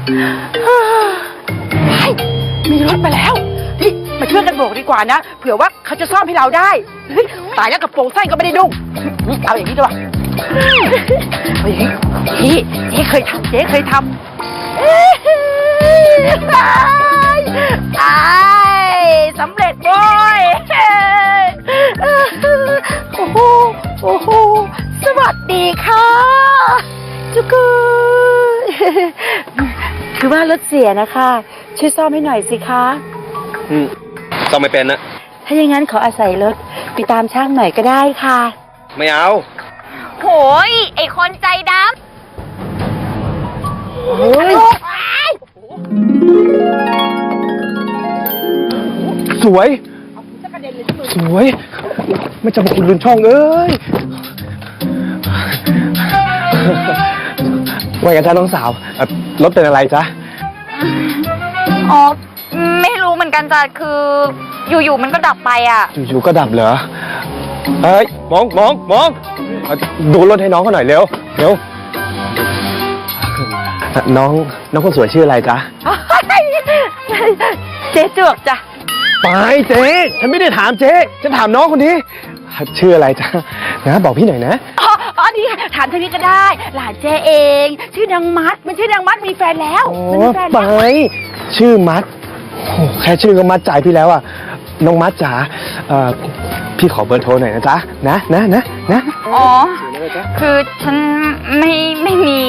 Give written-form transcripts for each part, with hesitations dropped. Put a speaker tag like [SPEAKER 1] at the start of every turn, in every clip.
[SPEAKER 1] มีรถมาแล้วนี่มาช่วยกันโบกดีกว่านะเผื่อว่าเขาจะซ่อมให้เราได้ตายแล้วกระโปรงสั้นก็ไม่ได้ดุ้งเอาอย่างนี้ดีกว่าเอาอย่างนี้เจ๊เคยทำสำเร็จโว้ยโอ้โหสวัสดีค่ะจุกุคือว่ารถเสียนะคะช่วยซ่อมให้หน่อยสิคะ
[SPEAKER 2] ซ่อมไม่เป็นนะ
[SPEAKER 1] ถ้าอย่างนั้นขออาศัยรถไปตามช่างหน่อยก็ได้ค่ะ
[SPEAKER 2] ไม่เอา
[SPEAKER 3] โหยไอคนใจดำ
[SPEAKER 2] สวยไม่จะมาคุณลุนช่องเอ้ยว่าไงจ๊ะน้องสาวรถเป็นอะไรจ๊ะ
[SPEAKER 3] อ๋อไม่รู้เหมือนกันจ้ะคืออยู่ๆมันก็ดับไปอ่ะ
[SPEAKER 2] อยู่ๆก็ดับเหรอเฮ้ยมองดูรถให้น้องเขาหน่อยเร็วน้องคนสวยชื่ออะไรจ๊ะ
[SPEAKER 1] เจ๊จวกจ้ะ
[SPEAKER 2] ไปเจ๊ฉันไม่ได้ถามเจ๊ฉันถามน้องคนนี้ชื่ออะไรจ๊ะนะบอกพี่หน่อยนะ
[SPEAKER 1] อ๋อนี่ถามทางนี้ก็ได้หลานเจ๊เองชื่อนางมัดมันชื่อนางมัดมีแฟนแล้ว
[SPEAKER 2] ไปชื่อมัดแค่ชื่อก็มัดใจพี่แล้วอ่ะน้องมัดจ๋าพี่ขอเบอร์โทรหน่อยนะจ๊ะนะ
[SPEAKER 3] อ๋อคือฉันไม่มี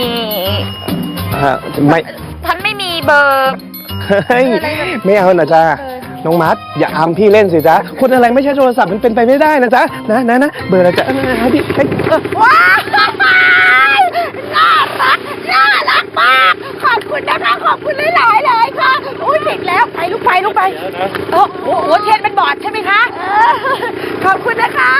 [SPEAKER 3] ฉันไม่มีเบอร์
[SPEAKER 2] ไม่เอานะจ๊ะน้องมัดอย่าอำพี่เล่นสิจ๊ะคนอะไรไม่ใช่โทรศัพท์มันเป็นไปไม่ได้นะจ๊ะนะเบอร์อะไรจ๊ะพี่
[SPEAKER 1] ว้าวน่ารักมากขอบคุณนะคะขอบคุณหลายเลยค่ะอุ้ยติดแล้วไปลูกไปโอ้โหเทียนเป็นบอดใช่ไหมคะขอบคุณนะคะ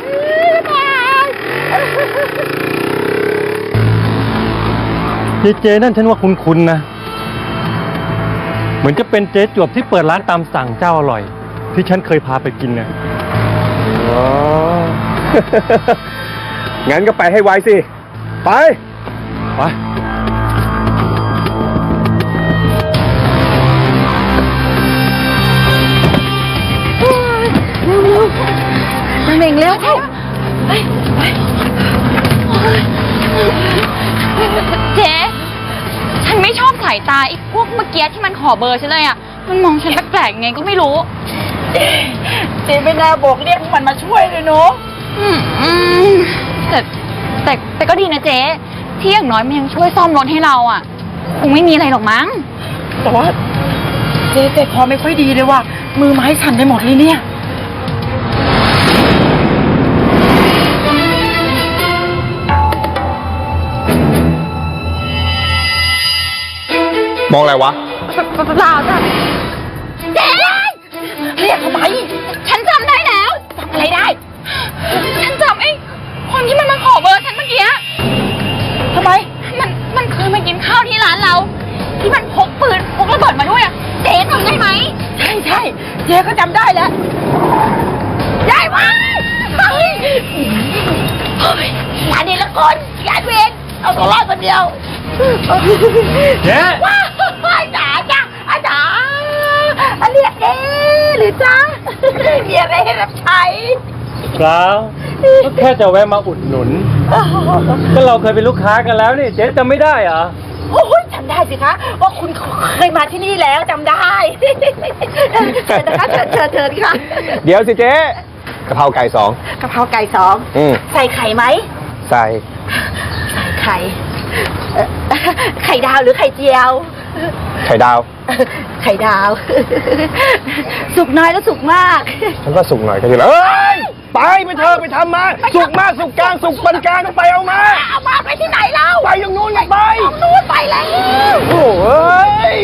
[SPEAKER 4] เจ๊นั่นฉันว่าคุ้นๆนะเหมือนจะเป็นเจ๊จวบที่เปิดร้านตามสั่งเจ้าอร่อยที่ฉันเคยพาไปกินนะ
[SPEAKER 2] อ๋อ งั้นก็ไปให้ไวสิไป
[SPEAKER 1] เม่งเร็ว
[SPEAKER 3] เจ๊ฉันไม่ชอบสายตาไอ้พวกเมื่อกี้ที่มันขอเบอร์ฉันเลยอ่ะมันมองฉันแปลกๆไงก็ไม่รู้
[SPEAKER 1] เจ๊ไม่น่าบอกเรียกมันมาช่วยเลยเนาะ
[SPEAKER 3] แต่ก็ดีนะเจ๊ที่อย่างน้อยมันยังช่วยซ่อมรถให้เราอ่ะคงไม่มีอะไรหรอกมั้ง
[SPEAKER 1] แต่ว่าเจ๊ใจคอไม่ค่อยดีเลยว่ะมือไม้สั่นไปหมดเลยเนี่ย
[SPEAKER 2] มองอะไรวะ
[SPEAKER 1] เปล่าจ้ะเจ๊เรียกทำไม
[SPEAKER 3] ฉันจำได้แล้ว
[SPEAKER 1] จำอะไรได้
[SPEAKER 3] ฉันจำไอ้คนที่มันมาขอเบอร์ฉันเมื่อกี้
[SPEAKER 1] ทำไม
[SPEAKER 3] มันเคยมากินข้าวที่ร้านเราที่มันพกปืนพกระเบิดมาด้วยอ่ะเจ๊จำได้ไหม
[SPEAKER 1] ใช่เจ๊ก็จำได้แล้วได้ไหมงานนี้ละคนงานเวรเอาตัวรอดคนเดียว
[SPEAKER 4] เจ๊
[SPEAKER 1] ว้าวจ๋าอาจารย์เรียกเอ๊หรือจ๊ะมีอะไรให้รับใช้
[SPEAKER 4] เปล่าก็แค่จะแวะมาอุดหนุนก็เราเคยเป็นลูกค้ากันแล้วนี่เจ๊จำไม่ได้เหรอ
[SPEAKER 1] โอ้ยจำได้สิคะว่าคุณเคยมาที่นี่แล้วจำได้เชิญนะคะเชิญค่ะ
[SPEAKER 2] เดี๋ยวสิเจ๊กะเพราไก่2
[SPEAKER 1] ใส่ไข่ไหม
[SPEAKER 2] ใส่
[SPEAKER 1] ไข่ดาวหรือไข่เจียว
[SPEAKER 2] ไข่ดาว
[SPEAKER 1] สุกน้อยแล้วสุกมาก
[SPEAKER 2] ฉันก็สุกหน่อยก็ดีแล้วไปเธอไปทำมาสุกมากสุกกลางสุกปานกลางไปเอามา
[SPEAKER 1] ไปที่ไหนเรา
[SPEAKER 2] ไปตรงนู้นไงไป
[SPEAKER 1] ตรงนู้นไปแล้ว
[SPEAKER 2] โอ้ย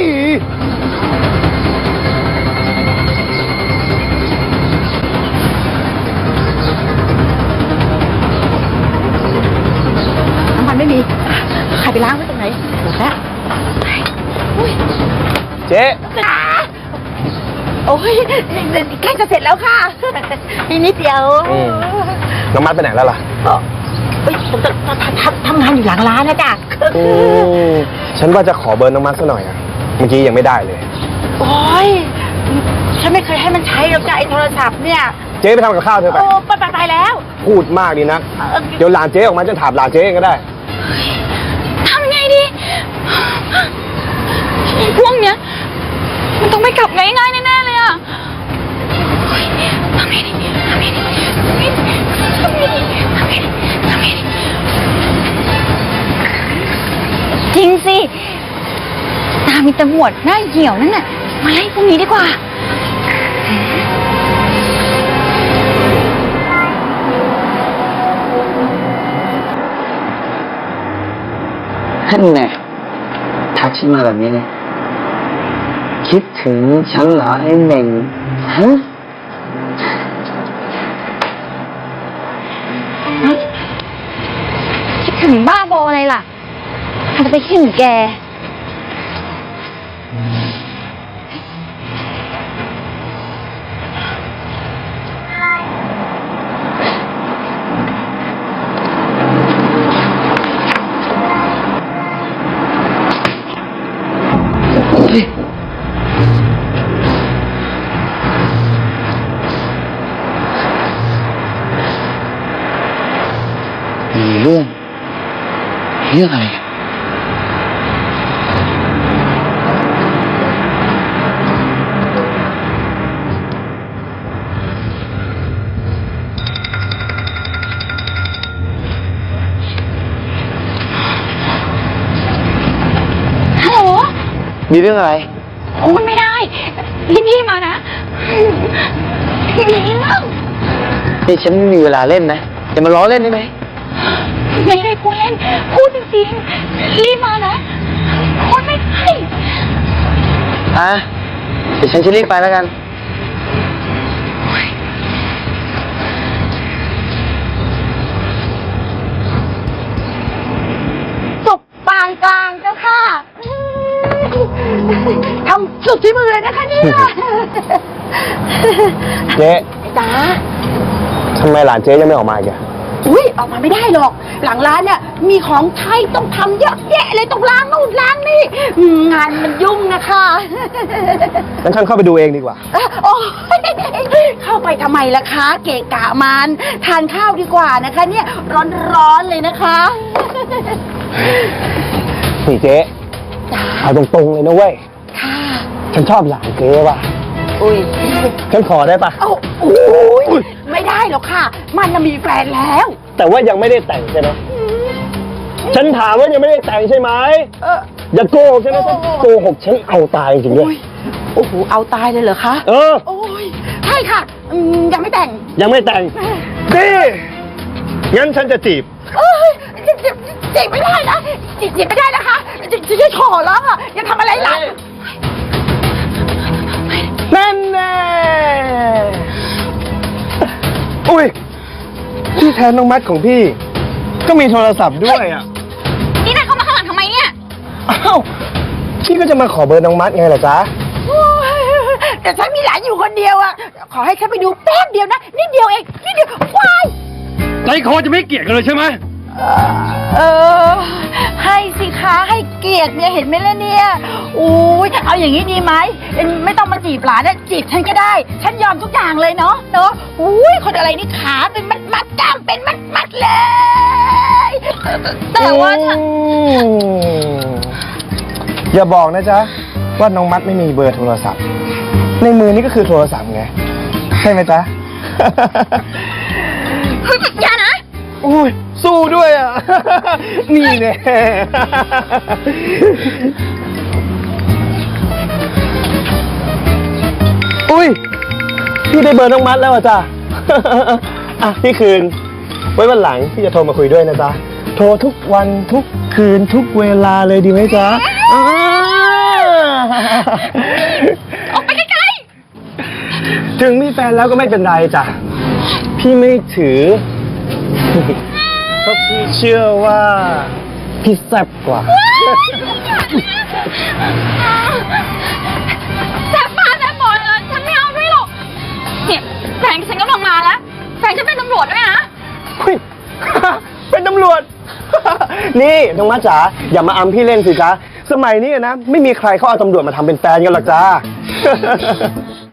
[SPEAKER 1] น้ำมันไม่มีใครไปล้างไว้ตรงไหนหมดแล้ว
[SPEAKER 2] เจ๊
[SPEAKER 1] โอ้ยใกล้จะเสร็จแล้วค่ะอีกนิดเดียว
[SPEAKER 2] น้องมัดไปไหนแล้วล่ะ
[SPEAKER 1] ผมจะทำงานอยู่หลังร้านนะจ๊ะ
[SPEAKER 2] ฉันว่าจะขอเบอร์น้องมัดซะหน่อยอะเมื่อกี้ยังไม่ได้เลย
[SPEAKER 1] โอ้ยฉันไม่เคยให้มันใช้หรอกจ้ะไอ้โทรศัพท์เนี่ย
[SPEAKER 2] เจ๊ไปทำกับข้าวเธอไป
[SPEAKER 1] โอ้ไปแล้ว
[SPEAKER 2] พูดมากดีนะ เดี๋ยวหลานเจ๊ออกมาจะถามหลานเจ๊เองก็ได้
[SPEAKER 3] ทำไงดีไอ้พวกเนี้ยมันต้องไม่กลับง่ายๆแน่ๆเลยอะเฮ้ยทำไงดีทำไงดีทำไงดีทำไงดีทำไงดีทำไงดีจริงสิตามีตำรวจหน้าเหี่ยวนั่นน่ะมาไล่พวกนี้ดีกว่า
[SPEAKER 5] ท่านแน่ทักฉันมาแบบนี้เลยคิดถึงฉันเหรอไอ้เหม่งฮะ
[SPEAKER 3] คิดถึงบ้าบออะไรล่ะอาจจะไปคิดถึงแก
[SPEAKER 5] มีเรื่องอะไรกัน
[SPEAKER 3] ฮัลโหล
[SPEAKER 5] มีเรื่องอะไร
[SPEAKER 3] โอ้ยไม่ได้ รีบๆมานะมีเรื่อง
[SPEAKER 5] นี่ฉันไม่มีเวลาเล่นนะอย่ามาล้อเล่นได้ไหม
[SPEAKER 3] ไม่ได้พูดเล่น พูดจริงๆ รีบมานะพูดไม่ได้
[SPEAKER 5] เดี๋ยวฉันจะรีบไปแล้วกัน
[SPEAKER 1] สุกปานกลางเจ้าค่ะทำสุดที่มือเลยนะคะเนี่ย
[SPEAKER 2] เจ๊
[SPEAKER 1] จ๋า
[SPEAKER 2] ทำไมหลานเจ๊ยังไม่ออกมาอีกอะ
[SPEAKER 1] อุ้ยออกมาไม่ได้หรอก หลังร้านเนี่ยมีของใช้ต้องทำเยอะแยะเลยต้องล้างนู่นล้างนี่งานมันยุ่งนะคะ
[SPEAKER 2] งั้นฉันเข้าไปดูเองดีกว่า
[SPEAKER 1] โอ้ยเข้าไปทำไมล่ะคะ เกะกะมันทานข้าวดีกว่านะคะ เนี่ยร้อนๆเลยนะคะ
[SPEAKER 2] นี่เจ๊
[SPEAKER 1] จ๋า
[SPEAKER 2] เอาตรงๆเลยนะเว้ย
[SPEAKER 1] ค่ะ
[SPEAKER 2] ฉันชอบหลานเจ๊ว่ะ
[SPEAKER 1] อุ้ย
[SPEAKER 2] ฉันขอได้ปะ
[SPEAKER 1] โอ้ยไม่ได้หรอกค่ะ มันน่ะมีแฟนแล้ว
[SPEAKER 2] แต่ว่ายังไม่ได้แต่งใช่ไหมฉันถามว่ายังไม่ได้แต่งใช่ไหม
[SPEAKER 1] เออ
[SPEAKER 2] อย่าโกหกฉันนะถ้าโกหกฉันเอาตายจริงๆด้วย
[SPEAKER 1] โอ้โหเอาตายเลยเหรอคะ
[SPEAKER 2] เออ
[SPEAKER 1] โอ้ยใช่ค่ะยังไม่แต่ง
[SPEAKER 2] ยังไม่แต่งดีงั้นฉันจะจีบ
[SPEAKER 1] เอ้ยจีบไม่ได้นะจีบไม่ได้นะคะจีบจะขอร้องอ่ะอย่าทำอะไรหลัง
[SPEAKER 2] นั่นแน่ อุ้ยที่แทนน้องมัดของพี่ ก็มีโทรศัพท์ด้วยอ่ะ
[SPEAKER 3] นี่นายเข้ามาข้างหลังทำไมเนี่ย
[SPEAKER 2] อ้าวพี่ก็จะมาขอเบอร์น้องมัดไงล่ะจ๊ะ
[SPEAKER 1] โอ้ยแต่ฉันมีหลานอยู่คนเดียวอ่ะขอให้ฉันไปดูแป๊บเดียวนะนิดเดียวเองนิดเดียวว้าย
[SPEAKER 4] ใจคอจะไม่เกลียดกันเลยใช่ไหม
[SPEAKER 1] เออให้สิคะให้เกียรติเนี่ยเห็นไหมล่ะเนี่ยอุ้ยเอาอย่างนี้ดีไหมไม่ต้องมาจีบหลานนะจีบฉันก็ได้ ฉันยอมทุกอย่างเลยเนาะอุ้ยคนอะไรนี่ขาเป็นมัดกล้ามเป็นมัดเลย
[SPEAKER 3] แต่ว่าฉัน
[SPEAKER 2] อย่าบอกนะจ๊ะว่าน้องมัดไม่มีเบอร์โทรศัพท์ ในมือนี่ก็คือโทรศัพท์ไงใช่ไหมจ๊ะ
[SPEAKER 3] เฮ้ยอย่านะ
[SPEAKER 2] อุ้ยสู้ด้วยอ่ะ นี่แน่ อุ้ยพี่ได้เบอร์น้องมัดแล้วอ่ะจ้ะ อ่ะพี่คืน ไว้วันหลังพี่จะโทรมาคุยด้วยนะจ๊ะ โทรทุกวันทุกคืนทุกเวลาเลยดีไหมจ๊ะ
[SPEAKER 3] ออกไปไกล
[SPEAKER 2] ถึงมีแฟนแล้วก็ไม่เป็นไรจ้ะ พี่ไม่ถือ เพราะพี่เชื่อว่า พี่แซ่บกว่า
[SPEAKER 3] ๆแซ่บปากแซ่บหมดเลยฉันไม่เอาด้วยหรอกเนี่ยแฟนฉันกำลังมาแล้วแฟนฉันเป็นตำรวจด้วยนะ
[SPEAKER 2] เฮ้ย เป็นตำรวจ นี่น้องมัดจ๋าอย่ามาอำพี่เล่นสิจ๊ะสมัยนี้นะไม่มีใครเขาเอาตำรวจมาทำเป็นแฟนกันหรอกจ้า